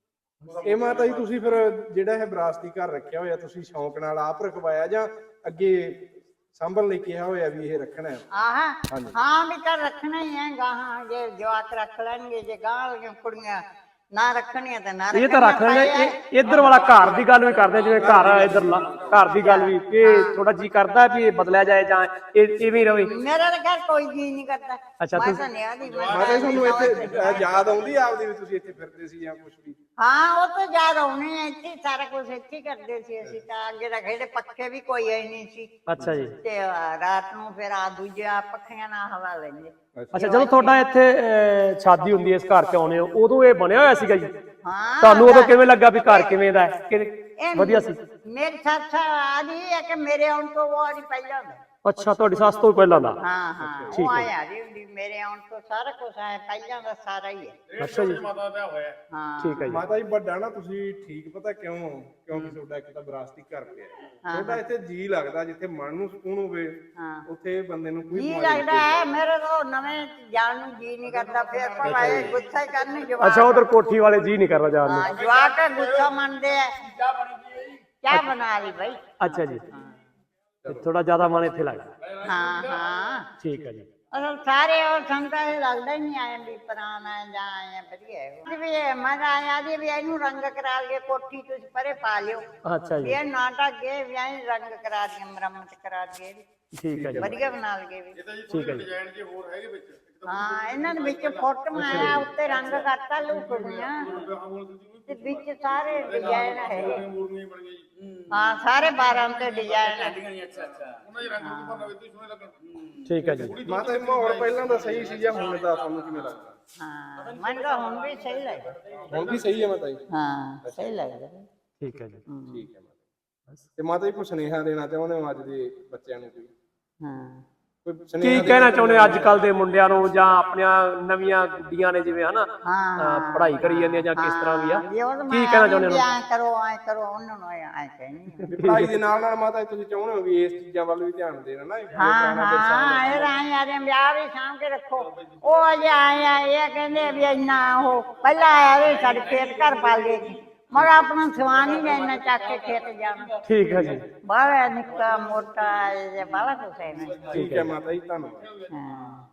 [SPEAKER 1] ਇਹ ਮਾਤਾ ਜੀ ਤੁਸੀਂ ਫਿਰ ਜਿਹੜਾ ਇਹ ਵਿਰਾਸਤੀ ਘਰ ਰੱਖਿਆ ਹੋਇਆ, ਤੁਸੀਂ ਸ਼ੌਂਕ ਨਾਲ ਆਪ ਰਖਵਾਇਆ ਜਾਂ ਅੱਗੇ ਸੰਭਲ ਲਈ ਕਿਹਾ ਹੋਇਆ ਵੀ ਇਹ ਰੱਖਣਾ ਹੈ?
[SPEAKER 4] ਹਾਂ ਵੀ ਕਰ ਰੱਖਣਾ ਹੀ ਹੈ ਗਾਹਾਂ, ਜੇ ਜਵਾਕ ਰੱਖ ਲੈਣਗੇ, ਜੇ ਗਾਹਾਂ ਵਾਲੀਆਂ ਕੁੜੀਆਂ ਨਾ ਰੱਖਣੀਆਂ ਤਾਂ ਨਾ
[SPEAKER 2] ਇਹ ਤਾਂ ਰੱਖ ਲੈਣੇ। ਇੱਧਰ ਵਾਲਾ ਘਰ ਦੀ ਗੱਲ ਵੀ ਕਰਦੇ, ਜਿਵੇਂ ਘਰ ਇੱਧਰ ਘਰ ਦੀ ਗੱਲ ਵੀ, ਇਹ ਥੋੜਾ ਜੀ ਕਰਦਾ ਵੀ ਇਹ ਬਦਲਿਆ ਜਾਏ ਜਾਂ ਇਹ ਇਵੇਂ ਹੀ ਰਵੇ?
[SPEAKER 4] ਮੇਰਾ ਤਾਂ ਘਰ ਕੋਈ ਜੀ ਨਹੀਂ ਕਰਦਾ।
[SPEAKER 2] ਅੱਛਾ,
[SPEAKER 4] ਮੈਂ ਤਾਂ ਨਿਆ ਦੀ
[SPEAKER 1] ਮਾਤਾ ਜੀ ਤੁਹਾਨੂੰ ਇੱਥੇ ਯਾਦ ਆਉਂਦੀ ਆ ਆਪਦੀ ਵੀ ਤੁਸੀਂ ਇੱਥੇ ਫਿਰਦੇ ਸੀ ਜਾਂ ਕੁਝ ਵੀ?
[SPEAKER 4] ਹਾਂ ਉਹ ਤਾਂ ਯਾਦ ਆਉਣੀ ਹੈ, ਇੱਥੇ ਸਾਰਾ ਕੁਝ ਇੱਥੇ ਕਰਦੇ ਸੀ ਅਸੀਂ ਤਾਂ। ਅੱਗੇ ਤਾਂ ਖੇਡੇ ਪੱਖੇ ਵੀ ਕੋਈ ਹੈ ਨਹੀਂ ਸੀ।
[SPEAKER 2] ਅੱਛਾ ਜੀ।
[SPEAKER 4] ਤੇ ਰਾਤ ਨੂੰ ਫਿਰ ਆ ਦੂਜੇ ਪੱਖਿਆਂ ਨਾਲ ਹਵਾ ਲੈਂਦੇ।
[SPEAKER 2] ਅੱਛਾ, ਜਦੋਂ ਤੁਹਾਡਾ ਇੱਥੇ ਸ਼ਾਦੀ ਹੁੰਦੀ ਹੈ, ਇਸ ਘਰ ਚ ਆਉਣੇ ਹੋ, ਉਦੋਂ ਇਹ ਬਣਿਆ ਹੋਇਆ ਸੀਗਾ ਜੀ?
[SPEAKER 4] ਹਾਂ
[SPEAKER 2] ਤੁਹਾਨੂੰ ਉਦੋਂ ਕਿਵੇਂ ਲੱਗਾ ਵੀ ਘਰ ਕਿਵੇਂ ਦਾ ਹੈ? ਵਧੀਆ ਸੀ?
[SPEAKER 4] ਮੇਰੀ ਸੱਸ ਆਦੀ ਹੈ ਕਿ ਮੇਰੇ ਆਉਣ ਤੋਂ ਉਹ ਆਦੀ ਪਹਿਲਾਂ ਦਾ।
[SPEAKER 2] ਅੱਛਾ, ਤੁਹਾਡੀ ਸੱਸ ਤੋਂ ਪਹਿਲਾਂ ਦਾ?
[SPEAKER 4] ਹਾਂ ਹਾਂ, ਉਹ ਆਇਆ ਜੀ ਮੇਰੇ ਆਉਣ ਤੋਂ ਸਾਰਾ ਕੁਝ ਆਇਆ ਪਹਿਲਾਂ ਦਾ ਸਾਰਾ ਹੀ ਹੈ।
[SPEAKER 2] ਅੱਛਾ ਜੀ।
[SPEAKER 3] ਮਾਤਾ ਦਾ ਹੋਇਆ।
[SPEAKER 4] ਹਾਂ
[SPEAKER 2] ਠੀਕ ਹੈ ਜੀ।
[SPEAKER 1] ਮਾਤਾ ਜੀ ਵੱਡਾ ਨਾ ਤੁਸੀਂ ਠੀਕ ਪਤਾ ਕਿਉਂਕਿ ਤੁਹਾਡਾ ਇੱਕ ਤਾਂ ਵਿਰਾਸਤੀ ਘਰ ਪਿਆ, ਤੁਹਾਡਾ ਇੱਥੇ ਜੀ ਲੱਗਦਾ, ਜਿੱਥੇ ਮਨ ਨੂੰ ਸਕੂਨ ਹੋਵੇ ਉੱਥੇ ਬੰਦੇ ਨੂੰ ਕੋਈ
[SPEAKER 4] ਜੀ ਲੱਗਦਾ ਹੈ। ਮੇਰੇ ਤੋਂ ਨਵੇਂ ਜਾਣ ਨੂੰ ਜੀ ਨਹੀਂ ਕਰਦਾ, ਫਿਰ ਭਾਵੇਂ ਗੁੱਸਾ ਹੀ ਕਰਨੀ ਜਵਾਕ।
[SPEAKER 2] ਅੱਛਾ, ਉਧਰ ਕੋਠੀ ਵਾਲੇ ਜੀ ਨਹੀਂ ਕਰਦਾ ਜਾਣ ਨੂੰ?
[SPEAKER 4] ਹਾਂ ਜਵਾਕ ਗੁੱਸਾ ਮੰਨਦੇ ਆ। ਚਾਹ ਬਣਾ ਲਈ ਭਾਈ।
[SPEAKER 2] ਅੱਛਾ ਜੀ, ਥੋੜਾ ਜ਼ਿਆਦਾ ਮਨ ਇੱਥੇ ਲੱਗਦਾ?
[SPEAKER 4] ਹਾਂ ਹਾਂ
[SPEAKER 2] ਠੀਕ ਹੈ ਜੀ।
[SPEAKER 4] ਅਸਲ ਸਾਰੇ ਉਹ ਸੰਗਤਾਂ ਇਹ ਲੱਗਦਾ ਹੀ ਨਹੀਂ ਆਏ ਵੀ ਪੁਰਾਣਾ ਜਾਂ ਆਏ ਵਧੀਆ ਹੈ ਵੀ। ਮੈਂ ਤਾਂ ਆਇਆ ਜੀ ਵੀ ਇਹਨੂੰ ਰੰਗ ਕਰਾ ਲਈਏ, ਕੋਠੀ ਤੁਸੀਂ ਪਰੇ ਪਾ ਲਿਓ।
[SPEAKER 2] ਅੱਛਾ ਜੀ।
[SPEAKER 4] ਇਹ ਨਾਟਕ ਗਏ ਵੀ ਐਂ ਰੰਗ ਕਰਾ ਦਈਏ, ਮੁਰੰਮਤ ਕਰਾ ਦਈਏ,
[SPEAKER 2] ਠੀਕ ਹੈ ਜੀ।
[SPEAKER 4] ਵਧੀਆ ਬਣਾ ਲਈਏ ਵੀ।
[SPEAKER 2] ਠੀਕ ਹੈ ਜੀ।
[SPEAKER 3] ਡਿਜ਼ਾਈਨ ਜੇ ਹੋਰ ਹੈਗੇ ਵਿੱਚ
[SPEAKER 4] ਹਾਂ ਇਹਨਾਂ ਦੇ ਵਿੱਚ ਫੋਟੋ ਆਇਆ, ਉੱਤੇ ਰੰਗ ਕਰਤਾ ਲੁਕੜੀਆਂ ਤੇ ਵਿੱਚ ਸਾਰੇ ਡਿਜ਼ਾਈਨ ਹੈ।
[SPEAKER 3] ਮੂਰਨੀਆਂ ਬਣ ਗਈ।
[SPEAKER 4] ਹਾਂ ਸਾਰੇ 12 ਤੇ ਡਿਜ਼ਾਈਨ ਹੈ।
[SPEAKER 3] ਉਹਨਾਂ ਦੇ ਰੰਗ ਨੂੰ ਭਰਨਾ ਵੀ ਸੋਹਣੇ ਲੱਗਣ।
[SPEAKER 2] ਠੀਕ ਹੈ ਜੀ।
[SPEAKER 1] ਮਾਤਾ ਜੀ ਮਾਹੌਲ ਪਹਿਲਾਂ ਦਾ ਸਹੀ ਸੀ ਜਾਂ ਹੁਣ ਦਾ ਤੁਹਾਨੂੰ ਕਿਵੇਂ ਲੱਗਦਾ?
[SPEAKER 4] ਹਾਂ ਮੈਨੂੰ ਤਾਂ ਹੁਣ ਵੀ ਸਹੀ ਲੱਗਦਾ।
[SPEAKER 1] ਹੁਣ ਵੀ ਸਹੀ ਹੈ ਮਾਤਾ ਜੀ?
[SPEAKER 4] ਹਾਂ ਸਹੀ ਲੱਗਦਾ।
[SPEAKER 2] ਠੀਕ ਹੈ ਜੀ।
[SPEAKER 1] ਠੀਕ ਹੈ ਮਾਤਾ ਜੀ। ਤੇ ਮਾਤਾ ਜੀ ਕੋਈ ਸੁਨੇਹਾ ਦੇਣਾ ਚਾਹੁੰਦੇ ਹੋ ਅੱਜ ਦੇ ਬੱਚਿਆਂ ਨੂੰ? ਕੋਈ
[SPEAKER 4] ਹਾਂ
[SPEAKER 2] ਕੀ ਕਹਿਣਾ ਚਾਹੁੰਦੇ ਅੱਜ ਕੱਲ ਦੇ ਮੁੰਡਿਆਂ ਨੂੰ, ਜਾਂ ਆਪਣੀਆਂ ਨਵੀਆਂ ਗੁੱਡੀਆਂ ਨੇ ਜਿਵੇਂ ਹਨਾ ਪੜ੍ਹਾਈ ਕਰੀ ਜਾਂਦੀਆਂ ਜਾਂ ਕਿਸ ਤਰ੍ਹਾਂ ਵੀ ਆ, ਕੀ ਕਹਿਣਾ ਚਾਹੁੰਦੇ ਹੋ?
[SPEAKER 4] ਐ ਕਰੋ ਉਹਨਾਂ ਨੂੰ ਐ ਕਹਿਣੀ।
[SPEAKER 1] ਪੜ੍ਹਾਈ ਦੇ ਨਾਲ ਨਾਲ ਮਾਤਾ ਜੀ ਤੁਸੀਂ ਚਾਹੁੰਦੇ ਹੋ ਵੀ ਇਸ ਚੀਜ਼ਾਂ ਵੱਲ ਵੀ ਧਿਆਨ ਦੇਣਾ ਨਾ?
[SPEAKER 4] ਹਾਂ ਇਹ ਆਏ ਆ ਵਿਆਹ ਵੀ ਸਾਂਭ ਕੇ ਰੱਖੋ। ਉਹ ਅਜੇ ਆਏ ਆ, ਇਹ ਕਹਿੰਦੇ ਵੀ ਇੰਨਾ ਉਹ ਪਹਿਲਾਂ ਆਇਆ ਵੀ ਸਾਡੇ ਖੇਤ ਘਰ ਪਾ ਲਏ, ਮਗਰ ਆਪਣਾ ਸਵਾਨ ਹੀ ਨਹੀਂ ਇੰਨਾ ਚੱਕ ਕੇ ਖੇਤ ਜਾਣਾ।
[SPEAKER 2] ਠੀਕ ਹੈ ਜੀ।
[SPEAKER 4] ਬਾਹਲਾ ਨਿੱਕਾ ਮੋਟਾ ਬਾਹਲਾ ਕੁਛ ਹੈ।
[SPEAKER 1] ਠੀਕ ਹੈ ਮਾਤਾ ਜੀ, ਧੰਨਵਾਦ।
[SPEAKER 4] ਹਾਂ